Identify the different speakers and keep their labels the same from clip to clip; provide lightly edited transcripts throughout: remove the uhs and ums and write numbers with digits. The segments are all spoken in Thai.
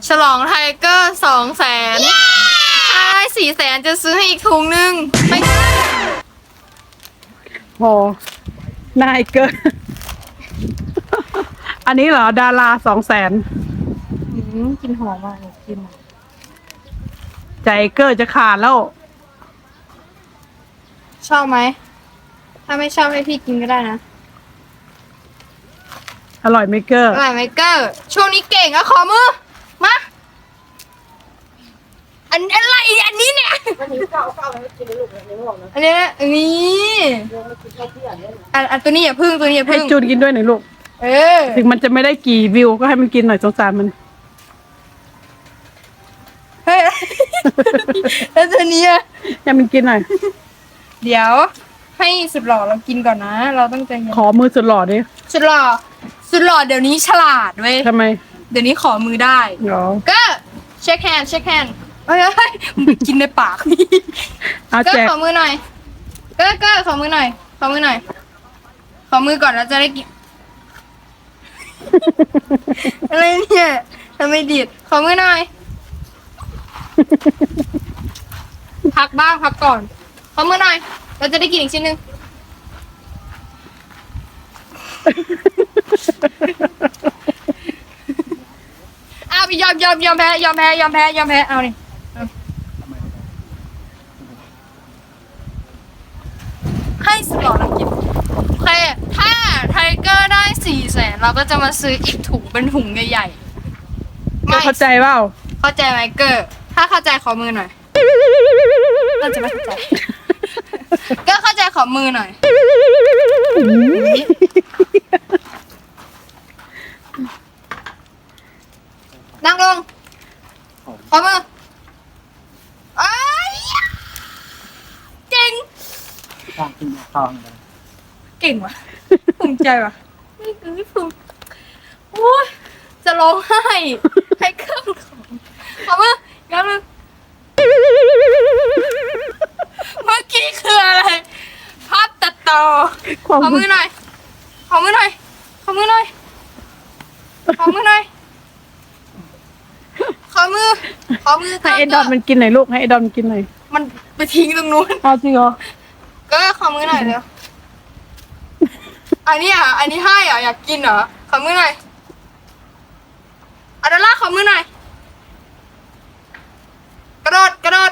Speaker 1: ฉลองไทเกอร์200,000ถ้าได้400,000จะซื้อให้อีกถุงนึงไม่
Speaker 2: โหนายเกิน อันนี้เหรอดารา200,000
Speaker 1: กินหอมมากกิน
Speaker 2: ใจเกอร์จะขาดแล้ว
Speaker 1: ชอบไหมถ้าไม่ชอบให้พี่กินก็ได้นะ
Speaker 2: อร่อยไหมเกอร์
Speaker 1: อร่อยไหมเกอร์ช่วงนี้เก่งอะขอมือมาอะไรอันนี้เนี่ย
Speaker 3: วันนี้ก้าวไม่กินลูกเลยไม่บอกนะ
Speaker 1: อันนี้นะอันนี้
Speaker 3: เรื่องไม่กินแค่เพื่อนเลย
Speaker 1: อันตัวนี้อย่าพึ่งตัวนี้อย่า
Speaker 2: ให้
Speaker 1: พึ่ง
Speaker 2: จูนกินด้วยหน่อยลูก
Speaker 1: เออ
Speaker 2: ถึงมันจะไม่ได้กี่วิวก็ให้มันกินหน่อยสงสารมัน
Speaker 1: เฮ้ย แล้วตัวนี้อะ
Speaker 2: ให้มันกินหน่อย
Speaker 1: เดี๋ยวให้สุดหล่อเรากินก่อนนะ เราต้องใจเย็น
Speaker 2: ขอมือสุดหล่อดิ
Speaker 1: สุดหล่อเดี๋ยวนี้ฉลาดเว้ย
Speaker 2: ทำไม
Speaker 1: เดี๋ยวนี้ขอมือได้
Speaker 2: หรอ
Speaker 1: ก็เช็คแฮนด์เฮ้ยมึงไปกินในปาก
Speaker 2: เอา
Speaker 1: ก็
Speaker 2: แจก
Speaker 1: ขอมือหน่อยก็ขอมือหน่อยขอมือหน่อยขอมือก่อนแล้วจะได้กิน อะไรเนี่ยทำไมดีดขอมือหน่อย พักบ้างพักก่อนขอมือหน่อย เราจะได้กินอีกชิ้นหนึ่ง อ้าวไปยอมแพ้เอานี่ให้สลอเรากินโอเคถ้าไทเกอร์ได้400,000เราก็จะมาซื้ออีกถุงเป็นถุงใหญ่ๆ
Speaker 2: เกอร์เข้าใจเปล่า
Speaker 1: เข้าใจไหมเกอร์ถ้าเข้าใจขอมือหน่อยเราจะไม่เข้าใจ ก็เข้าใจขอมือหน่อย นั่งลง ขอมือเอ้ยเก่ง
Speaker 3: ข้างกินข้าวเลย
Speaker 1: เก่งว่ะ ภูมิใจว่ะไม่ภูมิโอ้ยจะร้องไห้ ให้เครื่องของขอมือย้ำมือเมื่อกี้คืออะไร ภาพตัดต่อ ขอมือหน่อย ขอมือหน่อย ขอมือหน่อย ขอมือหน่อย ขอมือ
Speaker 2: ให้ไอ้ดอนมันกินหน่อยลูกให้ไอ้ดอนมันกินหน่อย
Speaker 1: มันไปทิ้งตรงนู้น
Speaker 2: เอาจริงเหรอ
Speaker 1: ก็ขอมือหน่อยเร็ว อันนี้อันนี้ให้เหรออยากกินเหรอ ขอมือหน่อยอาดอลล่าขอมือหน่อย กระโดด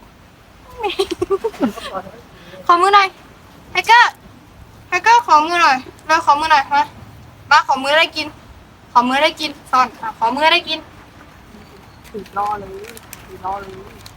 Speaker 1: ขอมือหน่อยไฮเกอร์ขอมือหน่อยเราขอมือหน่อยมาขอมือได้กิน ขอมือได้กินซ่อนขอมือได้กิน
Speaker 3: ถือรอเลยถือรอเลย